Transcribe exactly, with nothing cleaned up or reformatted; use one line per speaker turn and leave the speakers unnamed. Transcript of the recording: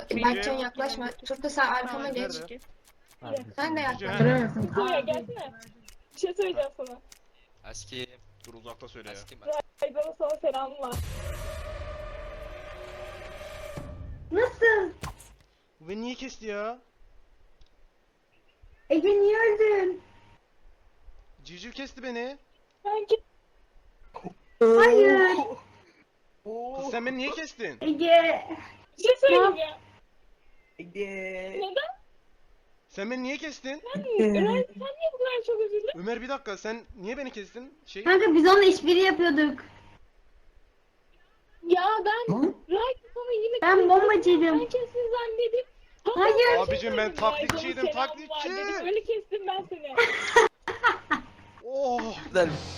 Berkcan yaklaşma. Turta sen arkama geç.
Nerede?
Sen de yaklaş.
Görüyorsun.
Söyle gelsene. Bir şey söyleyeceğim sana.
Eski.
Dur uzakta söyle ya.
Eski mi?
Aydan'ın sana selamı var.
Nasıl?
Bu beni niye kesti ya?
Ege niye öldün?
Civciv kesti beni.
Ben git.
Hayır.
Kız sen beni niye kestin?
Ege.
Bir şey söyleyeceğim.
Ege.
Neden?
Sen beni niye kestin?
Ömer, sen niye bu kadar çok üzüldün?
Ömer bir dakika sen niye beni kestin? Şey
Kanka biz onunla işbirliği yapıyorduk.
Ya ben Right sana yine
Ben bombacıydım.
Ben kesin zannedip.
Hayır.
Abicim ben taklitçiydim,
Selam var
taklitçi.
dedim. Öyle kestim ben seni.
Oh.
Güzel.